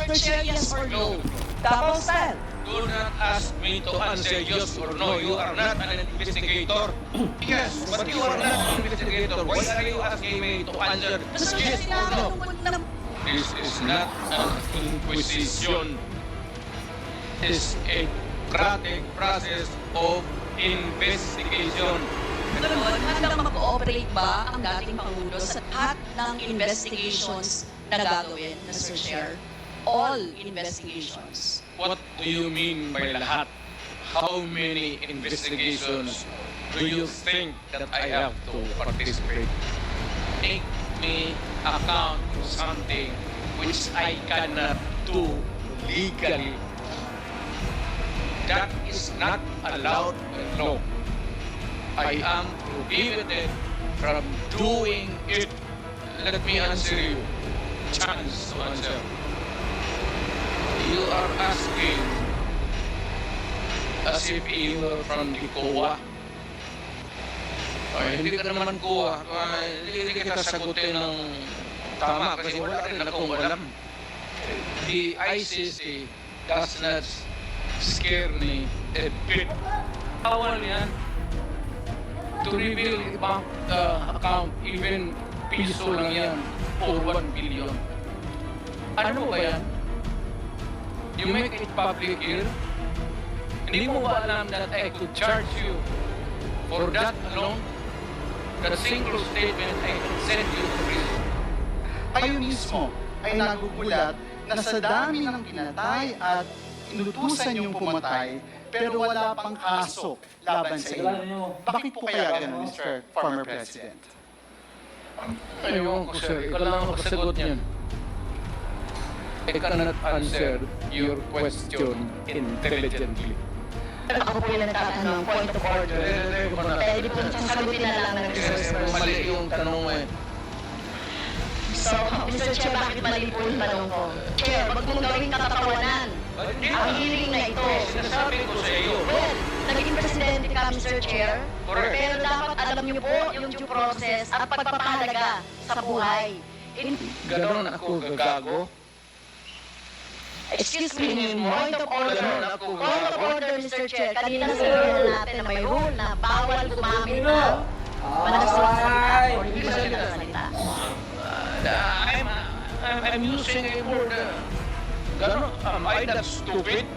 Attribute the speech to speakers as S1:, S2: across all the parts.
S1: Mr. Chair, yes or no? Davao style.
S2: Do not ask me to answer yes or no. You are not an investigator. Yes, but you are not an investigator. Why are you asking me to answer
S1: Mr. Chair,
S2: yes or no?
S1: tinatanong mo na
S2: This is not an inquisition. It's a democratic process of investigation.
S1: Ganon, handang mag-cooperate ba ang dating Pangulo sa lahat ng investigations na gagawin, Mr. Chair? All investigations.
S2: What do you mean by lahat? How many investigations do you think that I have to participate? Make me account for something which I cannot do legally. That is not allowed by law. I am prohibited from doing it. Let me answer you. Chance to answer. You are asking as if you were from the COA. Ay, hindi ka naman COA. Hindi kita sagutin ng tama kasi wala rin akong alam. The ICC does not scare me a bit. Bawal yan to reveal a bank account, even piso lang yan, or 1 billion. Ano ba yan? You make it public here? Hindi mo ba alam that I could charge you for that alone? That single statement, I can send you to prison.
S3: Kayo mismo ay nagugulat na sa dami ng pinatay at inutusan niyong pumatay pero wala pang kaso laban sa inyo. Bakit po kaya ganun, Mr. Former President?
S2: Ayun ko, sir. Ikaw lang ang kasagot niyan. I cannot answer your question intelligently.
S4: Ako po yung nagtatanong, point of order. Pwede po sasagutin na lang ng resource person.
S2: Mali yung tanong mo eh.
S4: So, Mr. Chair, bakit mali po yung tanong ko? Chair, wag mong gawing katatawanan. Ang hearing na ito.
S2: Sinasabi ko sa iyo.
S4: Well, naging presidente ka, Mr. Chair.
S2: Correct.
S4: Pero dapat alam niyo po yung due process at pagpapahalaga sa buhay.
S2: Ganon ako gagago.
S4: Excuse me, point of order. Point of order, Mr. Chair. Kanina sinabi natin na may rule na bawal gumamit ng panagsasalita o hindi magsasalita.
S2: I'm using a word. Ganon, am I that stupid?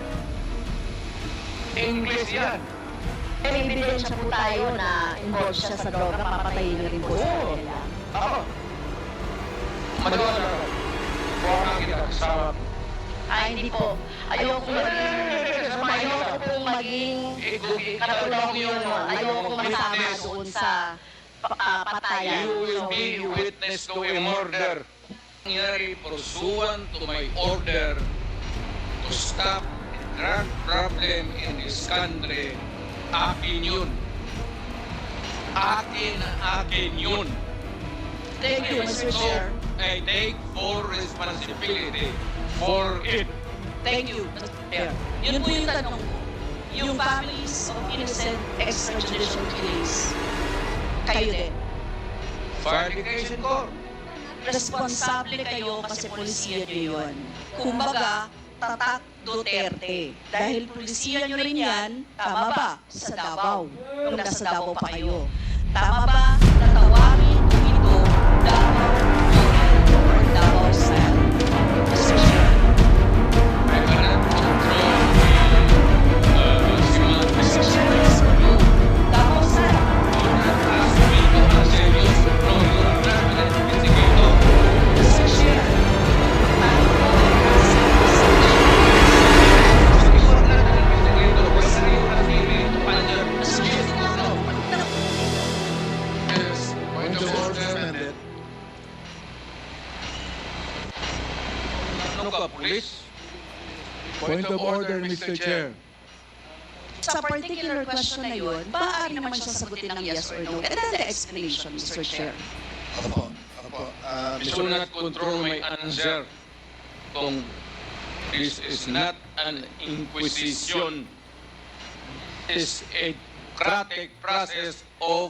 S2: English yan.
S4: May ebidensya po tayo na involved siya sa droga, papatayin niyo rin po sa kanila.
S2: Ako. Magawa na ako. Buwan kita sa...
S4: Ay, hindi po. Ayoko pong maging katulong yun. Ayoko masama doon sa patayan.
S2: You will be witness to a murder. Nangyari pursuant to my order to stop the drug problem in this country. Akin yun. Akin yun.
S1: Thank you, Mr. Chair.
S2: I take full responsibility for it.
S1: Thank you, Mr. Chair. Yun po yung tanong ko. Yung families of innocent extrajudicial killings, kayo din.
S2: Fire Education Corps.
S1: Responsable kayo kasi polisiya nyo yun. Kumbaga, tatak Duterte. Dahil polisiya nyo rin yan, tama ba? Sa Davao. Nung nasa Davao pa kayo. Tama ba na tawagin ito Davao Model or Davao Style? Mr. Chair.
S2: I cannot control
S1: Mr. Chair, yes or no? Davao Style.
S2: Do not ask me to answer yes or no. You are not an investigator.
S1: Mr. Chair. Paano po
S2: You are not an investigator. Why are you asking me to answer
S1: Mr. Chair,
S2: yes or no?
S3: Yes, point of order.
S2: Ano ka, police?
S5: Point of order, Mr. Chair.
S1: sa particular question na yun, maaari naman siya sagutin ng yes or no. And then the explanation, Mr. Chair.
S3: Opo.
S2: Do not control my answer. Kung this is not an inquisition, it's a democratic process of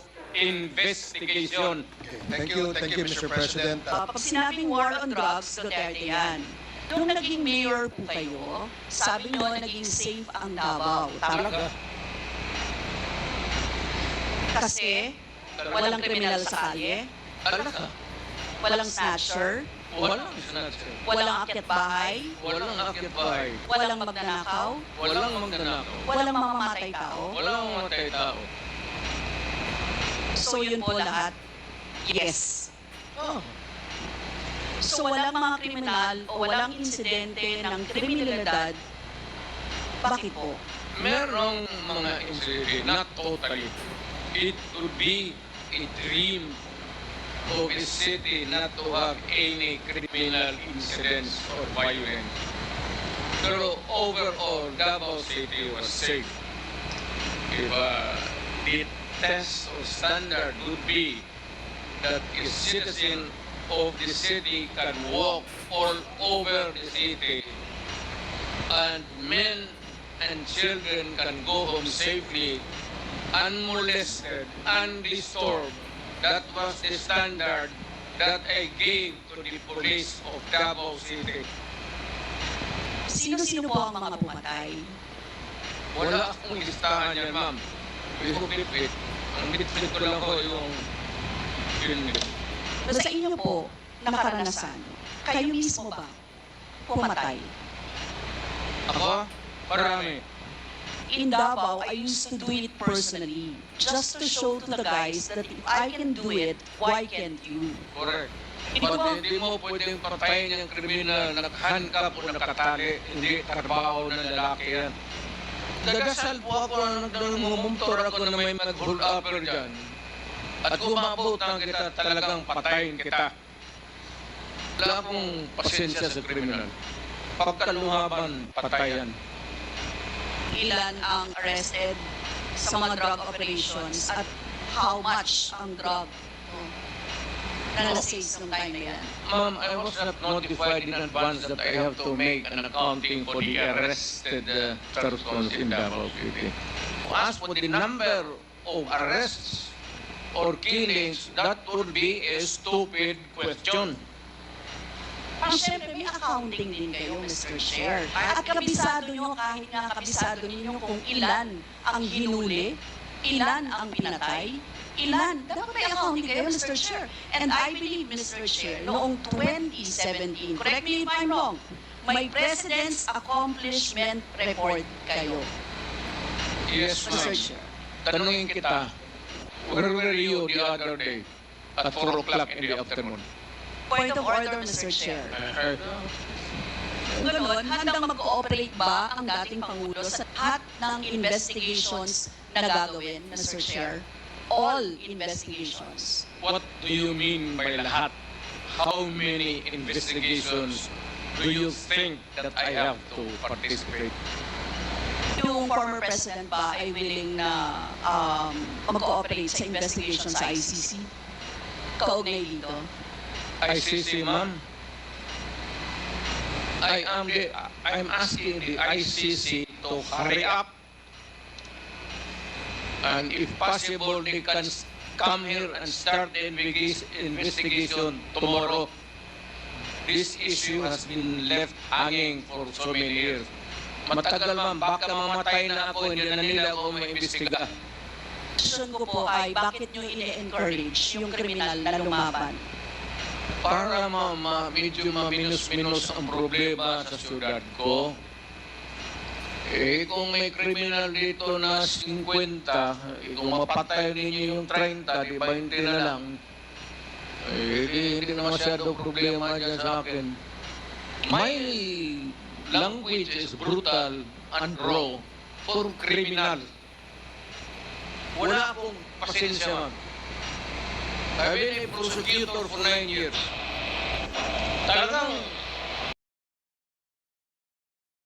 S2: investigation.
S3: Thank you, Mr. President.
S1: Pag sinabing war on drugs, Duterte yan. Nung naging mayor po kayo, sabi nyo naging safe ang Davao.
S2: Talaga.
S1: Kasi walang kriminal sa kalye,
S2: Talaga.
S1: walang snatcher,
S2: Walang snatcher.
S1: walang akyat bahay,
S2: Walang akyat bahay.
S1: walang magnanakaw,
S2: Walang magnanakaw.
S1: walang mamamatay tao.
S2: Walang mamatay tao.
S1: So yun po lahat, yes.
S2: Oh.
S1: So walang mga kriminal o walang insidente ng kriminalidad, bakit po?
S2: Merong mga incident, not totally. It would be a dream of a city not to have any criminal incidents or violence. Pero overall, Davao City was safe. If the test or standard would be that a citizen of the city can walk all over the city and men and children can go home safely, unmolested, undisturbed. That was the standard that I gave to the police of Davao City.
S1: Sino-sino po ang mga pumatay?
S2: Wala akong listahan yan, ma'am. Yung bit-bit. Ang bit-bit ko lang ko yung yun.
S1: Sa inyo po, nakaranasan, kayo mismo ba pumatay?
S2: Ako? Marami.
S1: In Davao, I used to do it personally, just to show to the guys that if I can do it, why can't you?
S2: Correct.
S1: Ito
S2: But
S1: ang-
S2: hindi mo pwedeng patayin yung kriminal na nakahandcuff o nakatali. Hindi trabaho ng lalaki yan. Nagdasal po ako na nagmumumtor ako na may mag-hold upper dyan. At kumabutan kita, talagang patayin kita. Wala akong pasensya sa kriminal. Pagkaluhaban, patayan.
S1: Ilan ang arrested sa mga drug operations at how much ang drug na nasa-seize nung time na yan?
S2: Ma'am, I was not notified in advance that I have to make an accounting for the arrested persons in Davao City. As for the number of arrests or killings, that would be a stupid question.
S1: Ang syempre, may accounting din kayo, Mr. Chair. At kabisado nyo, kahit nga kabisado ninyo kung ilan ang hinuli, ilan ang pinatay, ilan. Dapat may accounting kayo, Mr. Chair. And I believe, Mr. Chair, noong 2017, correct me if I'm wrong, may President's Accomplishment Report kayo,
S2: Yes,
S1: Mr.
S2: ma'am.
S1: Chair.
S2: Tanungin kita, where were you the other day at 4 o'clock in the afternoon?
S1: Point of order, Mr. Chair.
S2: Uh,
S1: Kung gano'n, handang mag-cooperate ba ang dating Pangulo sa lahat ng investigations na gagawin, Mr. Chair? All investigations.
S2: What do you mean by lahat? How many investigations do you think that I have to participate?
S1: Yung former president ba ay willing na mag-cooperate sa investigation sa ICC? Kaugnay dito?
S2: ICC, ma'am. I'm asking the ICC to hurry up. And if possible, they can come here and start the investigation tomorrow. This issue has been left hanging for so many years. Matagal, ma'am, baka mamatay na ako, hindi na nila ako maimbestiga.
S1: Question ko po ay bakit nyo ini-encourage yung kriminal na lumaban?
S2: Para medyo maminus-minus ang problema sa syudad ko. Kung may kriminal dito na 50, kung mapatay ninyo yung 30, di 20 na lang, hindi na masyado problema dyan sa akin. My language is brutal and raw for criminal. Wala akong pasensya, ma'am. I've been a prosecutor for 9 years. Talagang